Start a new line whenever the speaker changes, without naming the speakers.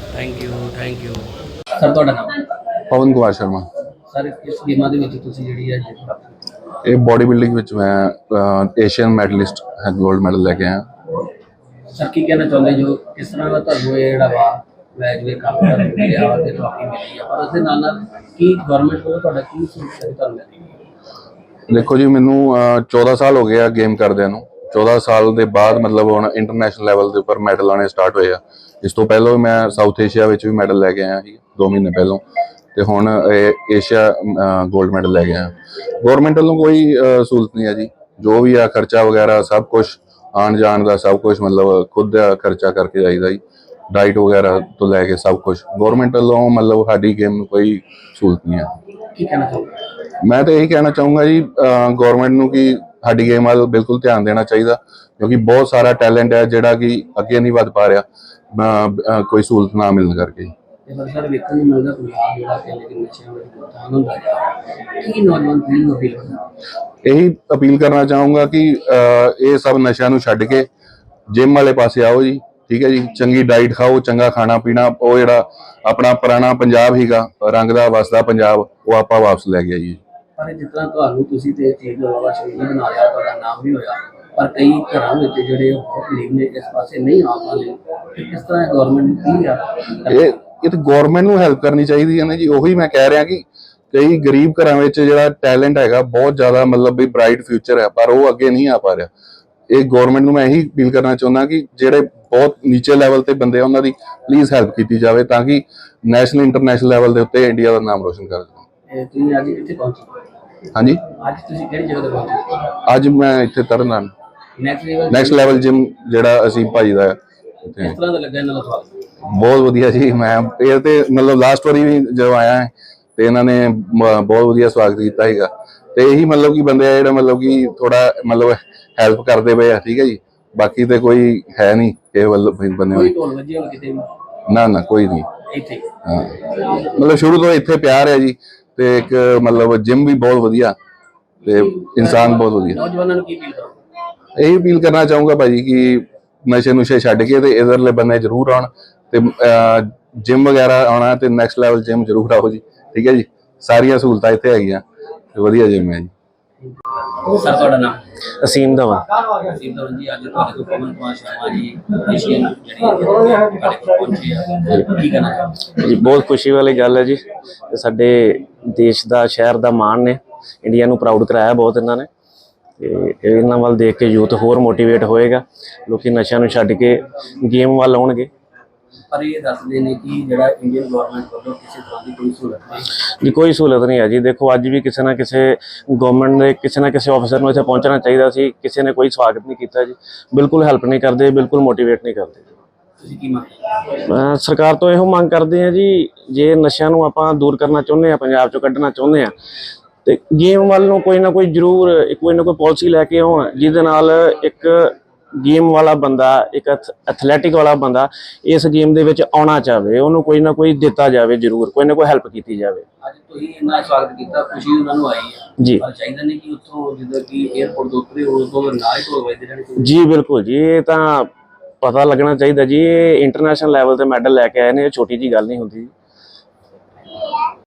Thank you thank you.
Sir ਤੁਹਾਡਾ ਨਾਮ?
ਪਵਨ Kumar Sharma.
Sir ਇਸ ਗੇਮਾਂ ਦੇ ਵਿੱਚ ਤੁਸੀਂ ਜਿਹੜੀ ਹੈ ਜਿੱਤ ਪ੍ਰਾਪਤ ਕੀਤੀ,
ਇਹ ਬੋਡੀ ਬਿਲਡਿੰਗ ਵਿੱਚ ਮੈਂ ਏਸ਼ੀਅਨ ਮੈਡਲਿਸਟ ਹੈ, ਗੋਲਡ ਮੈਡਲ ਲੈ ਕੇ ਆਇਆ।
ਸਰ ਕੀ ਕਹਿਣਾ ਚਾਹੁੰਦੇ ਜੋ ਕਿਸ ਤਰ੍ਹਾਂ ਦਾ ਤੁਹਾਨੂੰ ਇਹ ਜਿਹੜਾ ਵਾ ਮੈਚ ਦੇ ਕੰਮ ਦਾ ਮਿਲਿਆ ਵਾ ਤੇ ਟਰਾਫੀ ਮਿਲੀ ਆ, ਪਰ ਉਸ ਦੇ ਨਾਲ ਨਾਲ ਕੀ ਗਵਰਨਮੈਂਟ ਕੋਲ ਤੁਹਾਡਾ ਕੀ ਸੋਚ ਤੁਹਾਨੂੰ ਮਿਲੀ?
ਦੇਖੋ ਜੀ, ਮੈਨੂੰ 14 ਸਾਲ ਹੋ ਗਏ ਆ ਗੇਮ ਕਰਦਿਆਂ ਨੂੰ। 14 ਸਾਲ ਦੇ ਬਾਅਦ ਮਤਲਬ ਹੁਣ ਇੰਟਰਨੈਸ਼ਨਲ ਲੈਵਲ ਦੇ ਉੱਪਰ ਮੈਡਲ ਆਉਣੇ ਸਟਾਰਟ ਹੋਏ ਆ। ਇਸ ਤੋਂ ਪਹਿਲਾਂ ਮੈਂ ਸਾਊਥ ਏਸ਼ੀਆ ਵਿੱਚ ਵੀ ਮੈਡਲ ਲੈ ਕੇ ਆਇਆ ਸੀ 2 ਮਹੀਨੇ ਪਹਿਲਾਂ, ਤੇ ਹੁਣ ਏਸ਼ੀਆ ਗੋਲਡ ਮੈਡਲ ਲੈ ਕੇ ਆਇਆ। ਗੌਰਮੈਂਟ ਵੱਲੋਂ ਕੋਈ ਸਹੂਲਤ ਨਹੀਂ ਹੈ ਜੀ। ਜੋ ਵੀ ਆ ਖਰਚਾ ਵਗੈਰਾ ਸਭ ਕੁਝ, ਆਉਣ ਜਾਣ ਦਾ ਸਭ ਕੁਝ ਮਤਲਬ ਖੁਦ ਦਾ ਖਰਚਾ ਕਰਕੇ ਜਾਈਦਾ ਜੀ। ਡਾਈਟ ਵਗੈਰਾ ਤੋਂ ਲੈ ਕੇ ਸਭ ਕੁਝ ਗੌਰਮੈਂਟ ਵੱਲੋਂ ਮਤਲਬ ਸਾਡੀ ਗੇਮ ਨੂੰ ਕੋਈ ਸਹੂਲਤ ਨਹੀਂ ਹੈ।
ਕੀ ਕਹਿਣਾ ਚਾਹੁੰਦੇ?
ਮੈਂ ਤਾਂ ਇਹੀ ਕਹਿਣਾ ਚਾਹੂੰਗਾ ਜੀ ਗੌਰਮੈਂਟ ਨੂੰ ਕਿ ਸਾਡੀ ਗੇਮ ਵੱਲ ਬਿਲਕੁਲ ਧਿਆਨ ਦੇਣਾ ਚਾਹੀਦਾ, ਕਿਉਂਕਿ ਬਹੁਤ ਸਾਰਾ ਟੈਲੈਂਟ ਹੈ ਜਿਹੜਾ ਕਿ ਅੱਗੇ ਨਹੀਂ ਵੱਧ ਪਾ ਰਿਹਾ ਕੋਈ ਸਹੂਲਤ ਨਾ ਮਿਲਣ ਕਰਕੇ।
ਸਰ ਵੇਖਣ ਨੂੰ ਮਿਲਦਾ ਪੰਜਾਬ ਜਿਹੜਾ ਕਿ ਲੇਕਿਨ ਨਸ਼ਿਆਂ ਵਿੱਚ ਗੁੰਮ ਹੁੰਦਾ ਜਾ ਰਿਹਾ, ਕੀ ਨੌਜਵਾਨ ਪੀੜ੍ਹੀ ਨੂੰ ਅਪੀਲ ਕਰਨਾ?
ਇਹੀ ਅਪੀਲ ਕਰਨਾ ਚਾਹੂੰਗਾ ਕਿ ਇਹ ਸਭ ਨਸ਼ਿਆਂ ਨੂੰ ਛੱਡ ਕੇ ਜਿਮ ਵਾਲੇ ਪਾਸੇ ਆਓ ਜੀ। ਠੀਕ ਹੈ ਜੀ, ਚੰਗੀ ਡਾਈਟ ਖਾਓ, ਚੰਗਾ ਖਾਣਾ ਪੀਣਾ, ਉਹ ਜਿਹੜਾ ਆਪਣਾ ਪੁਰਾਣਾ ਪੰਜਾਬ ਸੀਗਾ, ਰੰਗ ਦਾ ਵਸਦਾ ਪੰਜਾਬ, ਉਹ ਆਪਾਂ ਵਾਪਸ ਲੈ ਕੇ ਆਈਏ।
ਪਰ ਜਿਸ ਤਰ੍ਹਾਂ ਤੁਹਾਨੂੰ ਤੁਸੀਂ ਤੇ ਚੀਜ਼ ਦਾ ਵਾਵਾ ਸ਼ਹੀਦ ਬਣਾ ਲਿਆ, ਤੁਹਾਡਾ ਨਾਮ ਵੀ ਹੋਇਆ, ਪਰ ਕਈ ਘਰਾਂ ਵਿੱਚ ਜਿਹੜੇ ਗਰੀਬ ਨੇ ਇਸ ਪਾਸੇ ਨਹੀਂ ਆ ਪਾਉਂਦੇ, ਕਿਸ ਤਰ੍ਹਾਂ ਗਵਰਨਮੈਂਟ ਕੀ ਆ?
ਇਹ ਤਾਂ ਗੌਰਮੈਂਟ ਨੂੰ ਹੈਲਪ ਕਰਨੀ ਚਾਹੀਦੀ ਹੈ ਨਾ ਜੀ। ਉਹੀ ਮੈਂ ਕਹਿ ਰਿਹਾ ਕਿ ਕਈ ਗਰੀਬ ਘਰਾਂ ਵਿੱਚ ਜਿਹੜਾ ਟੈਲੈਂਟ ਹੈਗਾ ਬਹੁਤ ਜ਼ਿਆਦਾ, ਮਤਲਬ ਵੀ ਬ੍ਰਾਈਟ ਫਿਊਚਰ ਹੈ, ਪਰ ਉਹ ਅੱਗੇ ਨਹੀਂ ਆ ਪਾ ਰਿਹਾ। ਇਹ ਗੌਰਮੈਂਟ ਨੂੰ ਮੈਂ ਇਹੀ ਅਪੀਲ ਕਰਨਾ ਚਾਹੁੰਦਾ ਕਿ ਜਿਹੜੇ ਬਹੁਤ ਨੀਚੇ ਲੈਵਲ ਤੇ ਬੰਦੇ ਆ ਉਹਨਾਂ ਦੀ ਪਲੀਜ਼ ਹੈਲਪ ਕੀਤੀ ਜਾਵੇ, ਤਾਂ ਕਿ ਨੈਸ਼ਨਲ ਇੰਟਰਨੈਸ਼ਨਲ ਲੈਵਲ ਦੇ ਉੱਤੇ ਇੰਡੀਆ ਦਾ ਨਾਮ ਰੋਸ਼ਨ ਕਰ ਸਕਣ।
ਤੁਸੀਂ ਅੱਜ ਕਿੱਥੇ ਪਹੁੰਚੇ?
ਹਾਂਜੀ,
ਅੱਜ ਤੁਸੀਂ ਕਿਹੜੀ ਜਗ੍ਹਾ ਤੇ ਪਹੁੰਚੇ?
ਅੱਜ ਮੈਂ ਇੱਥੇ Tarn Taran
next
next level gym ਜਿਹੜਾ ਅਸੀਂ ਭਾਈ ਦਾ
ਕਿਸ ਤਰ੍ਹਾਂ ਦਾ ਲੱਗਾ ਇਹਨਾਂ ਦਾ ਸਵਾਲ?
ਬਹੁਤ ਵਧੀਆ ਜੀ। ਮੈਂ ਇਹ ਤੇ ਮਤਲਬ ਲਾਸਟ ਵਾਰੀ ਵੀ ਜਦੋਂ ਆਇਆ ਤੇ ਇਹਨਾਂ ਨੇ ਬਹੁਤ ਵਧੀਆ ਸਵਾਗਤ ਕੀਤਾ ਸੀਗਾ, ਤੇ ਇਹੀ ਮਤਲਬ ਕਿ ਬੰਦੇ ਆ ਜਿਹੜਾ ਮਤਲਬ ਕਿ ਥੋੜਾ ਮਤਲਬ ਹੈਲਪ ਕਰਦੇ ਪਏ ਆ। ਠੀਕ ਹੈ ਜੀ, ਬਾਕੀ ਤੇ ਕੋਈ ਹੈ ਨਹੀਂ ਇਹ ਵੱਲ ਬੰਦੇ
ਕੋਈ ਢੋਲ ਵੱਜੇ ਕਿਤੇ ਵੀ?
ਨਾ ਕੋਈ ਨਹੀਂ।
ਇੱਥੇ
ਹਾਂ, ਮਤਲਬ ਸ਼ੁਰੂ ਤੋਂ ਇੱਥੇ ਪਿਆਰ ਹੈ ਜੀ, ਤੇ ਇੱਕ ਮਤਲਬ ਜਿਮ ਵੀ ਬਹੁਤ ਵਧੀਆ ਤੇ ਇਨਸਾਨ ਬਹੁਤ ਵਧੀਆ।
ਨੌਜਵਾਨਾਂ ਨੂੰ ਕੀ ਅਪੀਲ ਕਰੋ?
ਇਹੀ ਅਪੀਲ ਕਰਨਾ ਚਾਹੂੰਗਾ ਭਾਜੀ ਕਿ ਨਸ਼ੇ ਨੁਸ਼ੇ ਛੱਡ ਕੇ ਤੇ ਇਧਰਲੇ ਬੰਦੇ ਜ਼ਰੂਰ ਆਉਣ, ਤੇ ਜਿਮ ਵਗੈਰਾ ਆਉਣਾ, ਤੇ ਨੈਕਸਟ ਲੈਵਲ ਜਿਮ ਜ਼ਰੂਰ ਆਓ ਜੀ। ਠੀਕ ਹੈ ਜੀ, ਸਾਰੀਆਂ ਸਹੂਲਤਾਂ ਇੱਥੇ ਹੈਗੀਆਂ ਤੇ ਵਧੀਆ ਜਿਮ ਹੈ ਜੀ।
ਸਰ ਤੁਹਾਡਾ ਨਾਮ?
ਅਸੀਮ ਧਵਨ।
ਅਸੀਮ ਧਵਨ ਜੀ, ਅੱਜ ਤੁਹਾਡੇ ਕੋਲ ਪਵਨ ਕੁਮਾਰ ਸ਼ਰਮਾ ਜੀ ਏਸ਼ੀਅਨ ਜਿਹੜੀ ਤੁਹਾਡੇ ਕੋਲ ਪਹੁੰਚੇ ਆ, ਕੀ ਕਹਿਣਾ ਚਾਹੁੰਦੇ
ਜੀ? ਬਹੁਤ ਖੁਸ਼ੀ ਵਾਲੀ ਗੱਲ ਹੈ ਜੀ, ਸਾਡੇ ਦੇਸ਼ ਦਾ ਸ਼ਹਿਰ ਦਾ ਮਾਣ ਨੇ, ਇੰਡੀਆ ਨੂੰ ਪ੍ਰਾਊਡ ਕਰਾਇਆ ਬਹੁਤ ਇਹਨਾਂ ਨੇ, ਤੇ ਇਹਨਾਂ ਵੱਲ ਦੇਖ ਕੇ ਯੂਥ ਹੋਰ ਮੋਟੀਵੇਟ ਹੋਏਗਾ, ਲੋਕੀ ਨਸ਼ਿਆਂ ਨੂੰ ਛੱਡ ਕੇ ਗੇਮ ਵੱਲ ਆਉਣਗੇ।
ਪਰ ਇਹ ਦੱਸਦੇ ਨੇ ਕਿ ਜਿਹੜਾ ਇੰਡੀਅਨ ਗਵਰਨਮੈਂਟ ਵੱਲੋਂ ਕਿਸੇ ਤਰ੍ਹਾਂ ਦੀ ਕੋਈ ਸਹੂਲਤ ਨਹੀਂ
ਜੀ, ਕੋਈ ਸਹੂਲਤ ਨਹੀਂ ਹੈ ਜੀ। ਦੇਖੋ ਅੱਜ ਵੀ ਕਿਸੇ ਨਾ ਕਿਸੇ ਗਵਰਨਮੈਂਟ ਦੇ ਕਿਸੇ ਨਾ ਕਿਸੇ ਆਫਿਸਰ ਨੂੰ ਇੱਥੇ ਪਹੁੰਚਣਾ ਚਾਹੀਦਾ ਸੀ, ਕਿਸੇ ਨੇ ਕੋਈ ਸਵਾਗਤ ਨਹੀਂ ਕੀਤਾ ਜੀ, ਬਿਲਕੁਲ ਹੈਲਪ ਨਹੀਂ ਕਰਦੇ, ਬਿਲਕੁਲ ਮੋਟੀਵੇਟ ਨਹੀਂ ਕਰਦੇ।
ਤੁਸੀਂ ਕੀ ਮੰਗਦੇ?
ਸਰਕਾਰ ਤੋਂ ਇਹੋ ਮੰਗ ਕਰਦੇ ਆ ਜੀ, ਜੇ ਨਸ਼ਿਆਂ ਨੂੰ ਆਪਾਂ ਦੂਰ ਕਰਨਾ ਚਾਹੁੰਦੇ ਆ, ਪੰਜਾਬ ਚੋਂ ਕੱਢਣਾ ਚਾਹੁੰਦੇ ਆ, ਤੇ ਗੇਮ ਵੱਲ ਨੂੰ ਕੋਈ ਨਾ ਕੋਈ ਜ਼ਰੂਰ ਕੋਈ ਨਾ ਕੋਈ ਪਾਲਿਸੀ ਲੈ ਕੇ ਆਉਣ, ਜਿਹਦੇ ਨਾਲ ਇੱਕ ਗੇਮ ਵਾਲਾ ਬੰਦਾ, ਇੱਕ ਐਥਲੈਟਿਕ ਵਾਲਾ ਬੰਦਾ ਇਸ ਗੇਮ ਦੇ ਵਿੱਚ ਆਉਣਾ ਚਾਹਵੇ, ਉਹਨੂੰ ਕੋਈ ਨਾ ਕੋਈ ਦਿੱਤਾ ਜਾਵੇ, ਜ਼ਰੂਰ ਕੋਈ ਨਾ ਕੋਈ ਹੈਲਪ ਕੀਤੀ ਜਾਵੇ।
ਅੱਜ ਤੁਸੀਂ ਇੰਨਾ ਸਵਾਗਤ ਕੀਤਾ, ਖੁਸ਼ੀ ਉਹਨਾਂ ਨੂੰ ਆਈ ਹੈ
ਜੀ।
ਪਰ ਚਾਹੀਦਾ ਨਹੀਂ ਕਿ ਉੱਥੋਂ ਜਿੱਦਾਂ ਕਿ 에ਅਰਪੋਰਟ ਤੋਂ ਉਤਰੇ ਉਸ ਤੋਂ ਨਾ ਹੀ ਢੋਲ ਵੱਜਦੇ ਰਹਿਣ?
ਜੀ ਬਿਲਕੁਲ ਜੀ, ਇਹ ਤਾਂ ਪਤਾ ਲੱਗਣਾ ਚਾਹੀਦਾ ਜੀ, ਇਹ ਇੰਟਰਨੈਸ਼ਨਲ ਲੈਵਲ ਤੇ ਮੈਡਲ ਲੈ ਕੇ ਆਏ ਨੇ, ਇਹ ਛੋਟੀ ਜੀ ਗੱਲ ਨਹੀਂ ਹੁੰਦੀ।